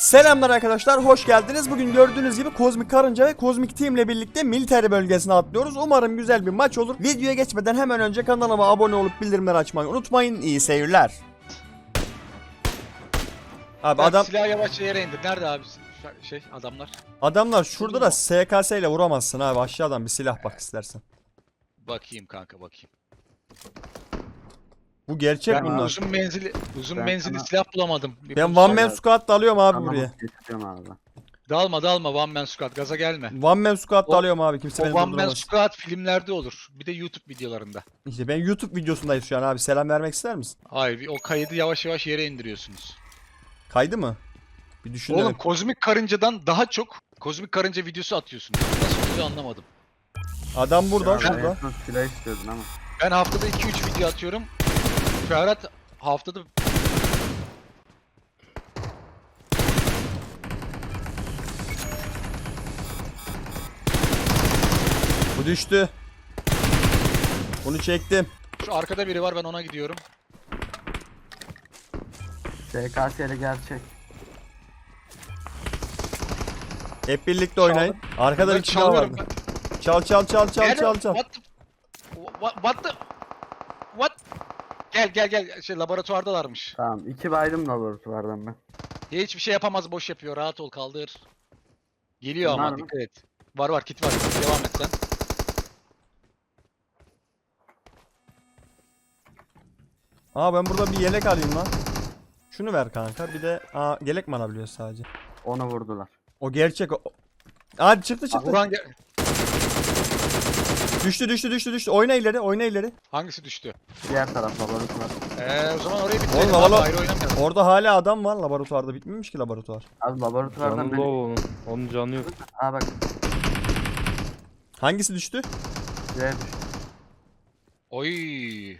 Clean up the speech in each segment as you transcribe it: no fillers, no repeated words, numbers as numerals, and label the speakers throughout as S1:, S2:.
S1: Selamlar arkadaşlar, hoş geldiniz. Bugün gördüğünüz gibi Kozmik Karınca ve Kozmik Team ile birlikte military bölgesine atlıyoruz. Umarım güzel bir maç olur. Videoya geçmeden hemen önce kanalıma abone olup bildirimleri açmayı unutmayın. İyi seyirler. Abi adam
S2: Silahı yavaşça yere indir. Nerede abi adamlar?
S1: adamlar şurada da SKS ile vuramazsın abi. Aşağıdan bir silah bak istersen.
S2: Bakayım kanka bakayım.
S1: Bu gerçek
S2: Ben
S1: bunlar.
S2: uzun
S3: Ben
S2: menzilli
S3: sana-
S2: silah bulamadım.
S1: Ben
S2: bulsam-
S1: one man squad da alıyorum abi
S3: Tamam,
S1: buraya.
S3: geçeceğim abi.
S2: Dalma one man squad gaza gelme.
S1: One man squad da
S2: O-
S1: alıyorum abi. Kimse
S2: O
S1: beni
S2: one man
S1: durduramaz.
S2: squad filmlerde olur. Bir de YouTube videolarında.
S1: İşte ben YouTube videosundayız şu an abi. Selam vermek ister misin?
S2: Hayır o kaydı yavaş yavaş yere indiriyorsunuz.
S1: Kaydı mı? Bir düşünelim.
S2: Oğlum kozmik karıncadan daha çok kozmik karınca videosu atıyorsunuz. Nasıl oluyor anlamadım.
S1: Adam burada,
S3: Ya,
S1: şurada.
S3: en son silah istiyordun ama.
S2: Ben haftada 2-3 video atıyorum. Ferhat haftada
S1: Bu düştü. Bunu çektim.
S2: şu arkada biri var ben ona gidiyorum.
S3: SKS'li gerçek.
S1: Hep birlikte oynayın. Arkada bir silah
S2: çalıyorum
S1: vardı.
S2: ben.
S1: Çal çal çal çal
S2: Nerede?
S1: çal çal.
S2: What? Gel laboratuvardalarmış.
S3: Tamam, 2 baydım laboratuvardan ben.
S2: Hiçbir şey yapamaz boş yapıyor rahat ol kaldır. Geliyor
S3: Var
S2: ama
S3: mı?
S2: dikkat et. Var kit var devam et sen.
S1: Aa ben burada bir yelek alayım lan. Şunu ver kanka. Bir de yelek mi alabiliyoruz sadece?
S3: Onu vurdular.
S1: O gerçek o. Hadi çıktı çıktı.
S2: Vuran
S1: Düştü. Oyna ileri.
S2: hangisi düştü?
S3: Diğer taraf laboratuvar.
S2: O zaman orayı bitirelim
S1: Oğlum,
S2: abi
S1: havalı-
S2: ayrı oynamayalım.
S1: Orada hala adam var laboratuvarda. Bitmemiş ki laboratuvar.
S3: Abi laboratuvardan
S4: Canı
S3: beni...
S4: low onun canı yok.
S3: Aa bak,
S1: Hangisi düştü?
S3: C'ye düştü.
S2: Oy.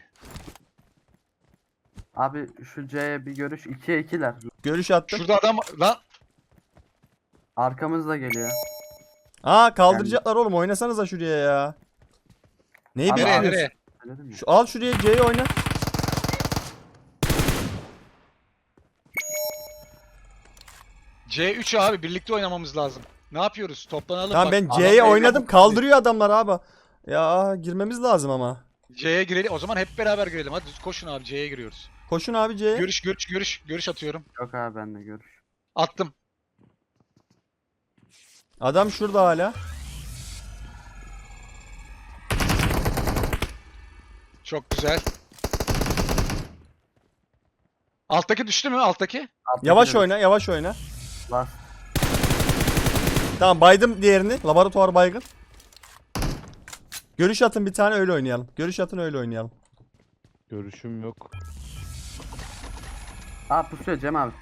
S3: Abi şu C'ye bir görüş, 2'ye 2'ler.
S1: Görüş attım.
S2: Şurada adam lan.
S3: Arkamızda geliyor.
S1: Kaldıracaklar oğlum. Oynasanıza şuraya ya. Neyi
S3: Abi,
S1: bekliyorsun?
S2: Nereye?
S3: Söyledim ya.
S1: Al şuraya C'yi oyna.
S2: C3 abi birlikte oynamamız lazım. Ne yapıyoruz? Toplanalım
S1: Tamam
S2: bak.
S1: ben
S2: Adam
S1: C'ye
S2: beyler
S1: oynadım.
S2: bu-
S1: Kaldırıyor adamlar abi. Ya girmemiz lazım ama.
S2: C'ye girelim. O zaman hep beraber girelim. Hadi koşun abi C'ye giriyoruz.
S1: Koşun abi C'ye.
S2: Görüş atıyorum.
S3: Yok abi, benle görüş.
S2: Attım.
S1: Adam şurada hala.
S2: Çok güzel. Alttaki düştü mü? Alttaki?
S3: Alttaki
S1: Yavaş
S3: de
S1: oyna.
S3: Bas.
S1: Tamam baydım diğerini. Laboratuvar baygın. Görüş atın bir tane öyle oynayalım.
S4: Görüşüm yok.
S3: Aa pusuyor Cem abi.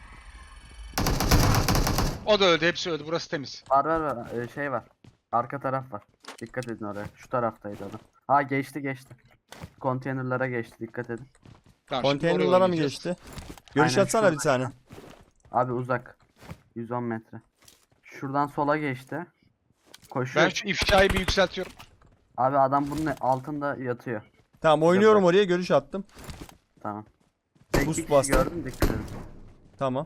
S2: O da öldü. Hepsi öldü. Burası temiz.
S3: Var. Şey var. Arka taraf var. Dikkat edin oraya. Şu taraftaydı adam. Ha geçti. Konteynerlara geçti, dikkat edin.
S2: Tamam, şimdi oraya
S1: Konteynerlara mı
S2: oynayacağız.
S1: geçti? Görüş
S3: Aynen,
S1: atsana
S3: şurada.
S1: bir tane.
S3: Abi uzak. 110 metre. Şuradan sola geçti. Koşuyor.
S2: Ben şu ifşayı bir yükseltiyorum.
S3: Abi adam bunun altında yatıyor.
S1: Tamam oynuyorum oraya görüş attım.
S3: Tamam. Tek
S1: Boost
S3: bir kişi
S1: bastım.
S3: gördüm, dikkat edin.
S1: Tamam.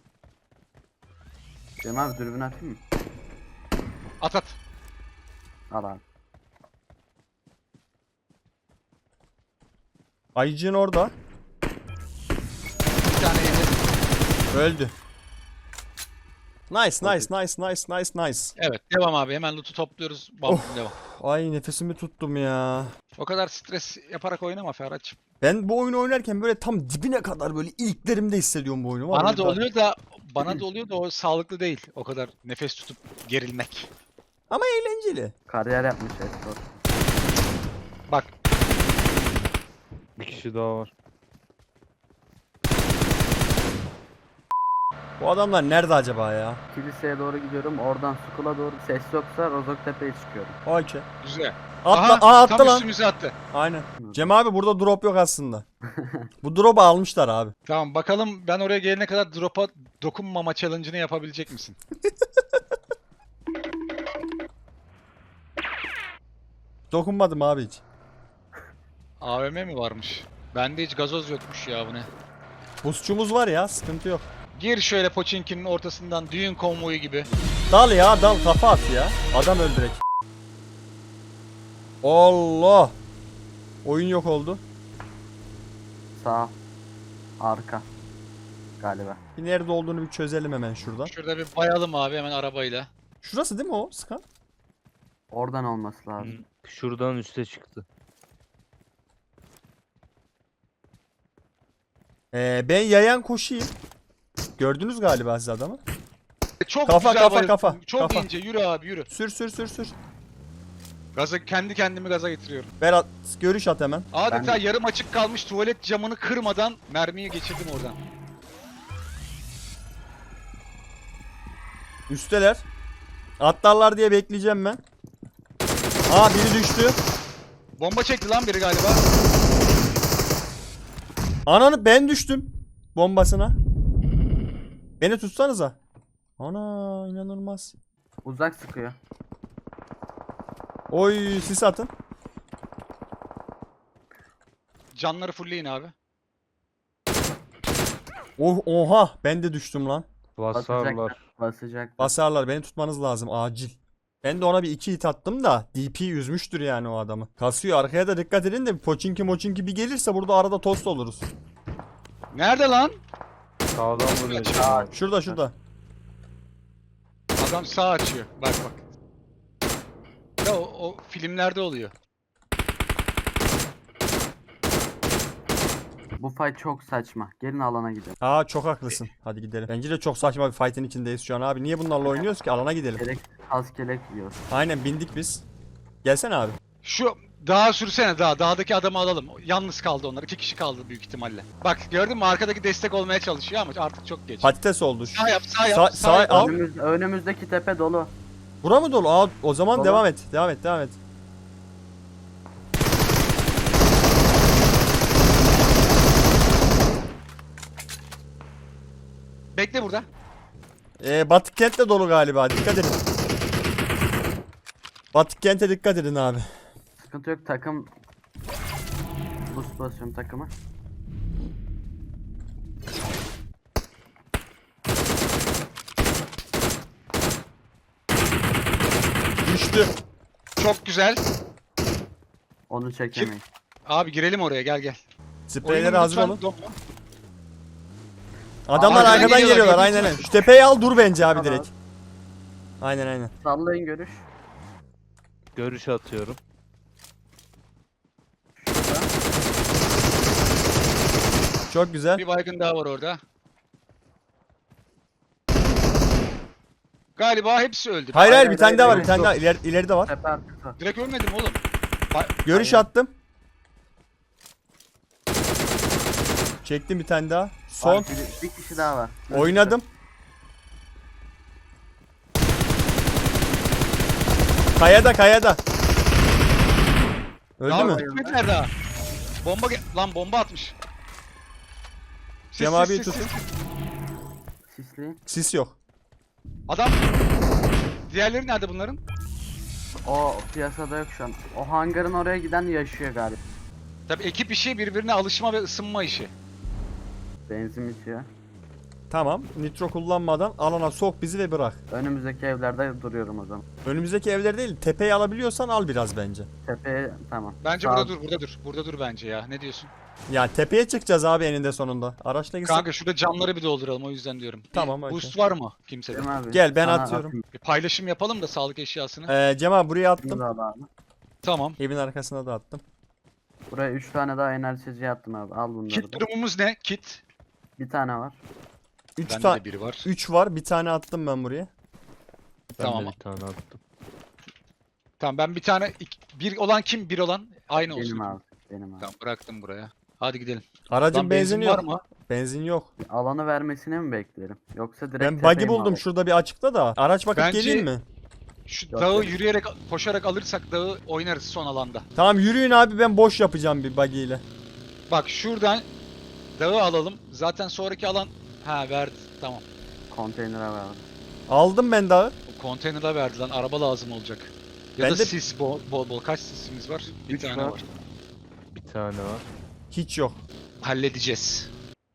S3: Cem abi dürbün atayım mı?
S2: At.
S3: Al abi.
S1: Ayıcığın orada.
S2: Bir tane yedi.
S1: Öldü. Nice.
S2: Evet. Devam abi. Hemen loot'u topluyoruz. Bam devam.
S1: Ay nefesimi tuttum ya.
S2: O kadar stres yaparak oynama Ferhat'cığım.
S1: Ben bu oyunu oynarken böyle tam dibine kadar böyle iliklerimde hissediyorum bu oyunu.
S2: Bana da oluyor da o sağlıklı değil. O kadar nefes tutup gerilmek.
S1: Ama eğlenceli.
S3: Kariyer yapmış Estor.
S2: Bak
S4: Bir kişi daha var.
S1: Bu adamlar nerede acaba ya?
S3: Kiliseye doğru gidiyorum. Oradan Sukula doğru ses yoksa Rozoktepe'ye çıkıyorum.
S1: Okey.
S2: güzel.
S1: Attı
S2: tam
S1: lan.
S2: üstümüze attı.
S1: Aynen. Cem abi burada drop yok aslında. Bu drop'u almışlar abi.
S2: Tamam bakalım ben oraya gelene kadar drop'a dokunmama challenge'ını yapabilecek misin?
S1: Dokunmadım abi hiç.
S2: AVM mi varmış? Bende hiç gazoz yokmuş ya bu ne?
S1: Busçumuz var ya, sıkıntı yok.
S2: Gir şöyle Pochinki'nin ortasından düğün konvoyu gibi.
S1: Dal ya dal, kafa at ya. Adam öldürek. Allah. Oyun yok oldu.
S3: Sağ. Arka. Galiba.
S1: Bir nerede olduğunu bir çözelim hemen şuradan.
S2: Şurada bir bayalım abi hemen arabayla.
S1: Şurası değil mi o Skan?
S3: Oradan olması lazım.
S4: Şuradan üste çıktı.
S1: Ben yayan koşayım. Gördünüz galiba siz adamı.
S2: Çok
S1: Kafa,
S2: güzel
S1: kafa,
S2: bayıldım.
S1: kafa,
S2: Çok
S1: kafa.
S2: ince yürü abi yürü.
S1: Sür sür sür sür.
S2: Gaza kendi kendimi gaza getiriyorum.
S1: Berat görüş at hemen.
S2: Adeta
S3: Ben-
S2: yarım açık kalmış tuvalet camını kırmadan mermiyi geçirdim oradan.
S1: Üsteler. Atlarlar diye bekleyeceğim ben. Aa biri düştü.
S2: Bomba çekti lan biri galiba.
S1: Ananı ben düştüm. Bombasına. Beni tutsanıza. Ana inanılmaz.
S3: Uzak sıkıyor.
S1: Oy sis atın.
S2: Canları fullleyin abi.
S1: Oh, oha ben de düştüm lan.
S4: Basarlar.
S3: Basacak.
S1: Basarlar beni tutmanız lazım acil. Ben de ona bir 2 hit attım da DP yüzmüştür yani o adamı. Kasıyor, arkaya da dikkat edin de Pochinki moçinki bir gelirse burada arada tost oluruz.
S2: Nerede lan?
S4: Sağdan vuruyor.
S1: Şurada şurada.
S2: Adam sağ açıyor. Bak bak. Ya o filmlerde oluyor.
S3: Bu fight çok saçma. Gelin alana gidelim.
S1: Aa çok haklısın. Hadi gidelim. Bence de çok saçma bir fight'in içindeyiz şu an abi. Niye bunlarla oynuyoruz ki? Alana gidelim.
S3: Gerek az kelek yiyor.
S1: Aynen bindik biz. Gelsene abi.
S2: Şu dağa sürsene dağa. Dağdaki adamı alalım. Yalnız kaldı onlar. 2 kişi kaldı büyük ihtimalle. Bak gördün mü arkadaki destek olmaya çalışıyor ama artık çok geç.
S1: Patates oldu.
S2: Sağ yap sağ yap.
S1: Sağ-
S2: Sağ,
S1: sağ-
S2: yap.
S1: al.
S3: Önümüzdeki tepe dolu.
S1: Bura mı dolu? Aa o zaman
S3: Dolu.
S1: devam et. Devam et. Devam et.
S2: Bekle burada.
S1: Batık kent de dolu galiba. Dikkat edin. Batık kente dikkat edin abi.
S3: Sıkıntı yok, takım. Boost basıyorum takımı.
S1: Düştü.
S2: Çok güzel.
S3: Onu çekemeyiz.
S2: Abi girelim oraya gel gel.
S1: Spreyleri
S2: Oyunun
S1: hazır
S2: lütfen
S1: olun.
S2: donma.
S1: Adamlar
S2: Arkadan
S1: arkadan
S2: geliyorlar,
S1: geliyorlar.
S2: gördün
S1: Aynen
S2: mü?
S1: aynen. Şu tepeyi al dur bence abi
S3: Tamam.
S1: direkt. Aynen aynen.
S3: Sallayın görüş.
S4: Görüş atıyorum.
S3: Şurada.
S1: Çok güzel.
S2: Bir baygın daha var orada. Galiba hepsi öldü.
S1: Hayır hayır
S3: Hayır,
S1: bir tane
S3: hayır,
S1: daha var.
S3: hayır,
S1: Bir tane
S3: yok.
S1: daha. İleride var.
S3: Tepe arkası.
S2: Direkt ölmedim oğlum.
S1: Görüş
S3: Hayır.
S1: attım. Çektim bir tane daha. Son.
S3: Var, bir kişi daha var.
S1: Oynadım. Kayada kayada. Öldü
S2: Daha
S1: mü?
S2: bitmediler daha. Bomba lan bomba atmış. Sis,
S1: Cem
S2: sis,
S1: abiyi
S2: sis,
S1: tutun.
S2: sis.
S3: Sisleyin.
S1: Sis yok.
S2: Adam. Diğerleri nerede bunların?
S3: O piyasada yok şu an. O hangarın oraya giden yaşıyor galiba.
S2: Tabii ekip işi birbirine alışma ve ısınma işi.
S3: Benzin bitiyor.
S1: Tamam. Nitro kullanmadan alana sok bizi ve bırak.
S3: Önümüzdeki evlerde duruyorum o zaman.
S1: Önümüzdeki evler değil. Tepeyi alabiliyorsan al biraz bence.
S3: Tepeye tamam.
S2: Bence
S3: Sağ-
S2: burada dur, burada dur. Burada dur bence ya. Ne diyorsun?
S1: Ya tepeye çıkacağız abi eninde sonunda. Araçla gitsek.
S2: Kanka şurada camları bir dolduralım o yüzden diyorum. Bir
S1: Tamam, okey.
S2: Boost var mı kimsede?
S3: Cem abi,
S1: Gel, ben
S3: sana
S1: atıyorum.
S3: atayım.
S2: Bir paylaşım yapalım da sağlık eşyasını.
S1: Cem abi buraya attım.
S3: Şunu da al abi.
S2: Tamam.
S1: Evin arkasına da attım.
S3: Buraya 3 tane daha enerjici attım abi. Al bunları
S2: Kit
S3: da.
S2: durumumuz ne? Kit.
S3: Bir tane var.
S1: 3
S2: Bende
S1: tane
S2: de biri var.
S1: 3 var. Bir tane attım ben buraya.
S4: Ben
S2: Tamam.
S4: de bir tane attım.
S2: Tamam ben bir tane bir olan kim? Bir olan aynı olsun.
S3: Benim abi. Benim abi.
S2: Tamam bıraktım buraya. Hadi gidelim.
S1: Aracın
S2: Lan
S1: benzini
S2: var
S1: yok.
S2: mı?
S1: Benzin yok.
S3: Alanı vermesini mi beklerim? Yoksa direkt
S1: Ben
S3: tepeye
S1: buggy
S3: mi
S1: buldum
S3: alayım?
S1: şurada bir açıkta da. Araç bakıp
S2: Bence-
S1: geleyim mi?
S2: Şu
S3: Yok,
S2: dağı
S3: yok.
S2: yürüyerek, koşarak alırsak dağı oynarız son alanda.
S1: Tamam yürüyün abi ben boş yapacağım bir buggy ile.
S2: Bak şuradan dağı alalım. Zaten sonraki alan verdi. Tamam.
S3: Konteynere ver.
S1: Aldım ben dağı.
S2: O konteynere verdi lan. Araba lazım olacak. Ya
S1: Ben
S2: da
S1: de-
S2: sis bol bol. Kaç sisimiz var? Bir
S3: Üç
S2: tane
S3: var.
S2: var.
S4: Bir tane var.
S1: Hiç yok.
S2: Halledeceğiz.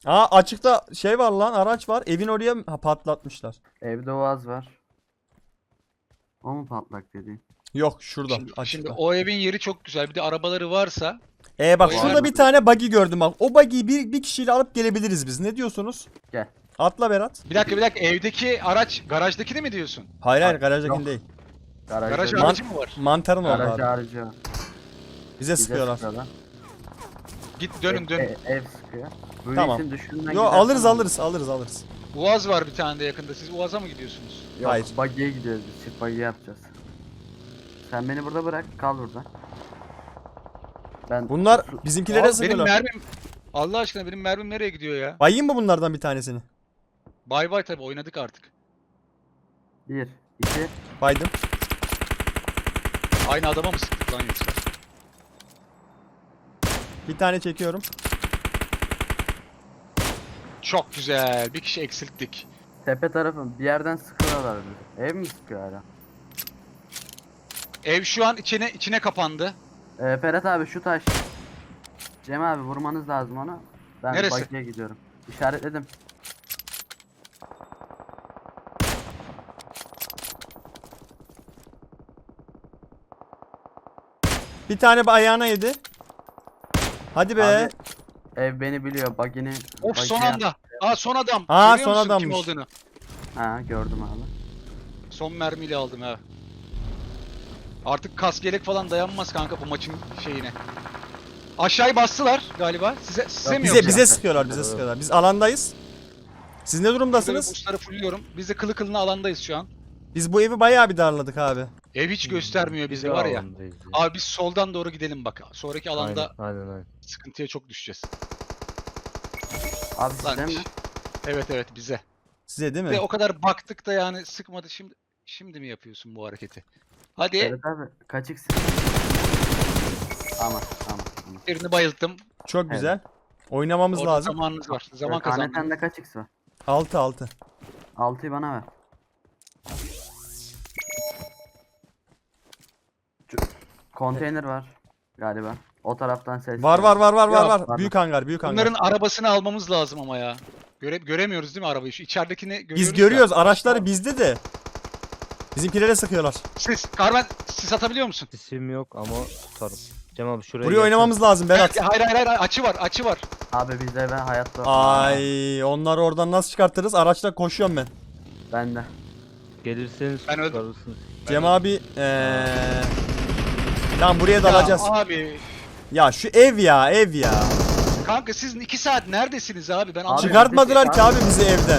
S1: Aa açıkta şey var lan, araç var. Evin oraya patlatmışlar.
S3: Evde Oğaz var. O mu patlak dediğin?
S1: Yok şurada
S2: Şimdi
S1: açıkta.
S2: o evin yeri çok güzel. Bir de arabaları varsa
S1: Bak
S2: o
S1: şurada
S2: yani-
S1: bir tane buggy gördüm bak. O buggy'yi bir kişiyle alıp gelebiliriz biz. Ne diyorsunuz?
S3: Gel.
S1: Atla Berat.
S2: bir dakika evdeki araç garajdaki de mi diyorsun?
S1: Hayır
S3: Yok.
S1: garajdakini değil.
S2: Garaj
S3: Garajda
S2: aracı mı var?
S1: Mantarın orada
S3: garaj
S1: abi.
S3: harcı var.
S1: Bize
S3: Bize
S1: sıkıyorlar.
S3: sıkıyorlar.
S2: Git dönün dönün.
S3: Ev sıkıyor. Bu
S1: Tamam.
S3: işin düşününden
S1: Yo
S3: gidersen
S1: alırız.
S2: Uaz var bir tane de yakında. Siz Uaz'a mı gidiyorsunuz?
S3: Yok,
S1: Hayır.
S3: buggy'ye gidiyoruz biz. Çift buggy yapacağız. Sen beni burada bırak. Kal burada. Ben
S1: Bunlar bizimkilere
S2: Abi benim
S1: sıkıyorlar.
S2: mermim Allah aşkına benim mermim nereye gidiyor ya?
S1: Bayayım mı bunlardan bir tanesini?
S2: Bay bay tabi oynadık artık.
S3: 1, 2,
S1: Baydım.
S2: Aynı adama mı sıktık lan yoksa?
S1: Bir tane çekiyorum.
S2: Çok güzel. Bir kişi eksilttik.
S3: tepe tarafı bir yerden sıkıyorlar bizi. Ev mi sıkıyor hala?
S2: Ev şu an içine kapandı.
S3: Ferhat abi şu taş. Cem abi vurmanız lazım onu. Ben
S2: Neresi?
S3: buggy'ye gidiyorum. İşaretledim.
S1: Bir tane ayağına yedi. Hadi be.
S3: Abi, ev beni biliyor. Buggy'ni.
S2: Of son anda. Aa son adam.
S1: Aa,
S2: Görüyor
S1: son
S2: musun kim
S1: adammış.
S2: olduğunu?
S3: Ha gördüm abi.
S2: Son mermiyle aldım ha. Artık kask yelek falan dayanmaz kanka bu maçın şeyine. Aşağıyı bastılar galiba. Size mi
S1: Bize
S2: yoksa?
S1: bize sıkıyorlar, bize sıkıyorlar. Biz alandayız. Siz ne
S2: Şurada bir
S1: durumdasınız?
S2: boostları fulluyorum. Biz de kılı kılına alandayız şu an.
S1: Biz bu evi bayağı bir darladık abi.
S2: Ev hiç göstermiyor bizi
S4: Biz
S2: var ya.
S4: alandayız ya.
S2: Abi biz soldan doğru gidelim bak. Sonraki alanda
S4: Aynen.
S2: sıkıntıya çok düşeceğiz.
S3: Abi
S2: Lan,
S3: size mi?
S2: evet bize.
S1: Size değil
S2: Ve
S1: mi?
S2: o kadar baktık da yani sıkmadı. Şimdi mi yapıyorsun bu hareketi? Hadi
S3: Ferhat abi kaç x? Tamam.
S2: birini bayılttım.
S1: Çok güzel. Oynamamız
S2: Orada
S1: lazım.
S2: zamanınız var. Zaman
S3: Kaneten
S2: kazandım.
S3: de kaç x var?
S1: 6.
S3: 6'yı bana ver. Konteyner var galiba. O taraftan ses.
S1: Var.
S3: Var.
S1: Büyük hangar, büyük hangar.
S2: Bunların arabasını almamız lazım ama ya. Göremiyoruz değil mi arabayı? Şu içeridekini görüyoruz.
S1: Biz
S2: da.
S1: görüyoruz. Araçları bizde de. Bizimkilere sıkıyorlar.
S2: Karmen sis atabiliyor musun?
S4: İsim yok ama tutarım. Cem abi şuraya
S1: Buraya
S4: gelsene.
S1: oynamamız lazım Berat.
S2: Hayır açı var.
S3: Abi bizde ben hayatta.
S1: Ay, onları oradan nasıl çıkartırız? Araçla koşuyorum ben.
S3: Ben de.
S4: Gelirseniz
S2: Ben öldüm.
S4: çıkarırsınız.
S1: Cem abi tamam buraya dalacağız.
S2: Ya abi
S1: Ya şu ev ya.
S2: kanka siz 2 saat neredesiniz abi? Ben
S3: Abi,
S2: anlamadım.
S1: Çıkartmadılar ki abi bizi evden.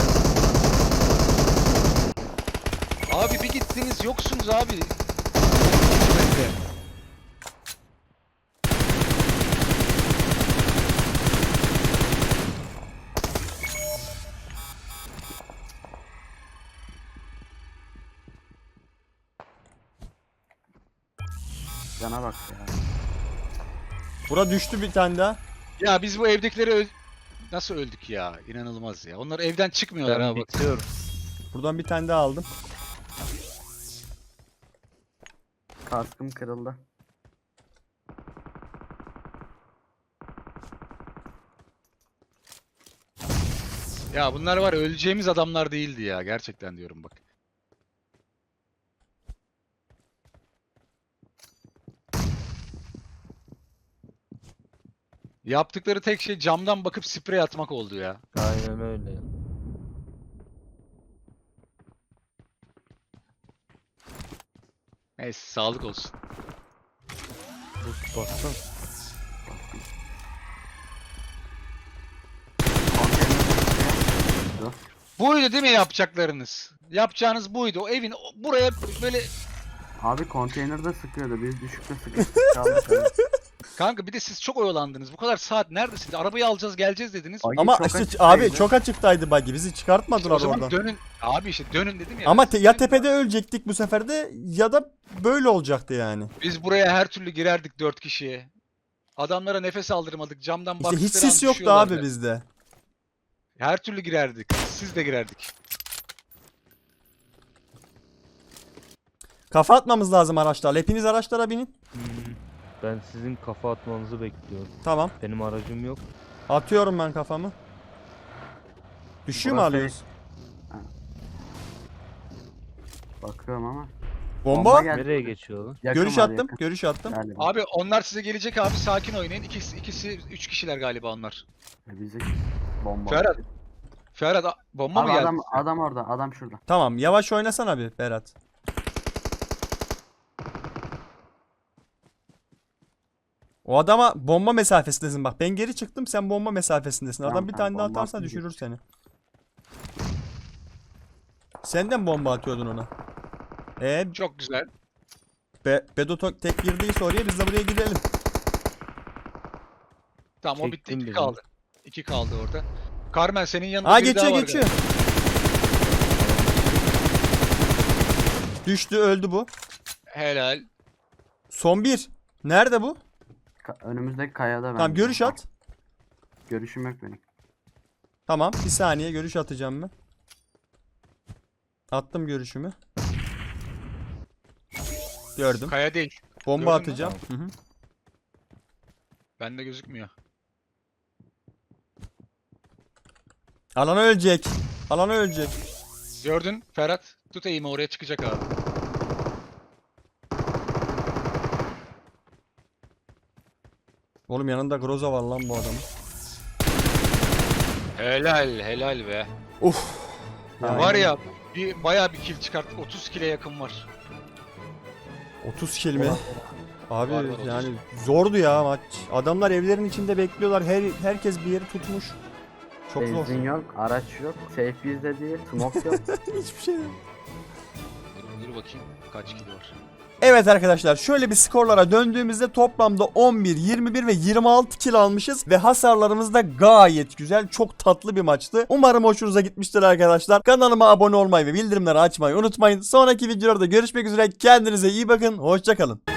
S2: Abi bir gittiniz yoksunuz abi.
S3: Cana bak ya.
S1: Bura düştü bir tane daha.
S2: Ya biz bu evdekileri nasıl öldük ya? İnanılmaz ya. Onlar evden çıkmıyorlar
S4: Ben
S2: abi.
S4: bekliyorum.
S1: Buradan bir tane daha aldım.
S3: Kaskım kırıldı.
S2: Ya bunlar var ya, öleceğimiz adamlar değildi ya. Gerçekten diyorum bak. Yaptıkları tek şey camdan bakıp sprey atmak oldu ya.
S4: Aynen öyle.
S2: Neyse sağlık olsun.
S4: Boost bassana.
S2: Buydu değil mi yapacaklarınız? Yapacağınız buydu. O evin buraya böyle
S3: Abi konteynerde sıkıyordu. Biz düşükte sıkıştık kaldık. abi.
S2: kanka bir de siz çok oyalandınız. Bu kadar saat neredesiniz? Arabayı alacağız geleceğiz dediniz.
S3: Buggy
S1: Ama
S3: çok
S1: işte
S3: açıktaydı.
S1: abi çok açıktaydı buggy. Bizi
S2: İşte
S1: çıkartmadılar
S2: o zaman
S1: oradan.
S2: dönün. Abi işte dönün dedim ya.
S1: Ama ya
S2: Dönün.
S1: tepede ölecektik bu sefer de ya da böyle olacaktı yani.
S2: Biz buraya her türlü girerdik 4 kişiye. Adamlara nefes aldırmadık. Camdan
S1: İşte
S2: baktıkları
S1: hiç
S2: an
S1: sis yoktu
S2: düşüyorlardı.
S1: abi bizde.
S2: Her türlü girerdik. Siz de girerdik.
S1: Kafa atmamız lazım araçlarla. Hepiniz araçlara binin.
S4: Ben sizin kafa atmanızı bekliyorum.
S1: Tamam.
S4: Benim aracım yok.
S1: Atıyorum ben kafamı. Düşüyor mu
S3: Burası-
S1: alıyoruz?
S3: Bakıyorum ama.
S1: Bomba.
S3: geldi.
S4: Nereye geçiyor lan?
S3: Yakın
S1: Görüş
S3: var,
S1: attım.
S3: yakın.
S1: Görüş attım.
S3: Galiba.
S2: Abi onlar size gelecek abi, sakin oynayın. Üç kişiler galiba onlar.
S3: Bizi bomba.
S2: Ferhat, Ferhat bomba
S3: Abi
S2: mı geldi?
S3: adam orada. Adam şurada.
S1: Tamam, yavaş oynasana bir Berat. O adama bomba mesafesindesin bak. Ben geri çıktım, sen bomba mesafesindesin. Adam
S3: Tamam,
S1: bir
S3: tamam,
S1: tane daha
S3: bomba
S1: atarsa
S3: attım,
S1: düşürür
S3: geç.
S1: seni. Sen de mi bomba atıyordun ona?
S2: Çok güzel.
S1: Bedo tek girdiyse oraya, biz de buraya girelim.
S2: Tamam o bitti.
S4: Çektim
S2: 2
S4: birini.
S2: kaldı. 2 kaldı orada. Carmen senin yanında
S1: Aa,
S2: biri
S1: geçiyor
S2: daha var
S1: geçiyor.
S2: galiba.
S1: Düştü, öldü bu.
S2: Helal.
S1: Son bir. Nerede bu?
S3: Önümüzdeki kayada ben.
S1: Tamam, görüş at.
S3: Görüşüm yok benim.
S1: Tamam, bir saniye görüş atacağım ben. Attım görüşümü. Gördüm.
S2: Kaya değil.
S1: Bomba
S2: Gördün mü?
S1: atacağım. Hı hı.
S2: Bende gözükmüyor.
S1: Alana ölecek. Alana ölecek.
S2: Gördün Ferhat. Tut eğimi, oraya çıkacak abi.
S1: Oğlum yanında Groza var lan bu adamın.
S2: Helal be.
S1: Uf.
S3: Tamam.
S2: Var ya bayağı bir kill çıkarttık. 30 kill'e yakın var.
S1: 30 kill mi? Abi
S2: Var, 30.
S1: yani zordu ya maç. Adamlar evlerin içinde bekliyorlar. Herkes bir yeri tutmuş. Çok zor.
S3: Benzin yok, araç yok, safe bizde değil, smoke yok.
S1: Hiçbir şey yok.
S2: Dur bakayım kaç kill var.
S1: Evet arkadaşlar, şöyle bir skorlara döndüğümüzde toplamda 11, 21 ve 26 kill almışız ve hasarlarımız da gayet güzel. Çok tatlı bir maçtı. Umarım hoşunuza gitmiştir arkadaşlar. Kanalıma abone olmayı ve bildirimleri açmayı unutmayın. Sonraki videolarda görüşmek üzere. Kendinize iyi bakın. Hoşça kalın.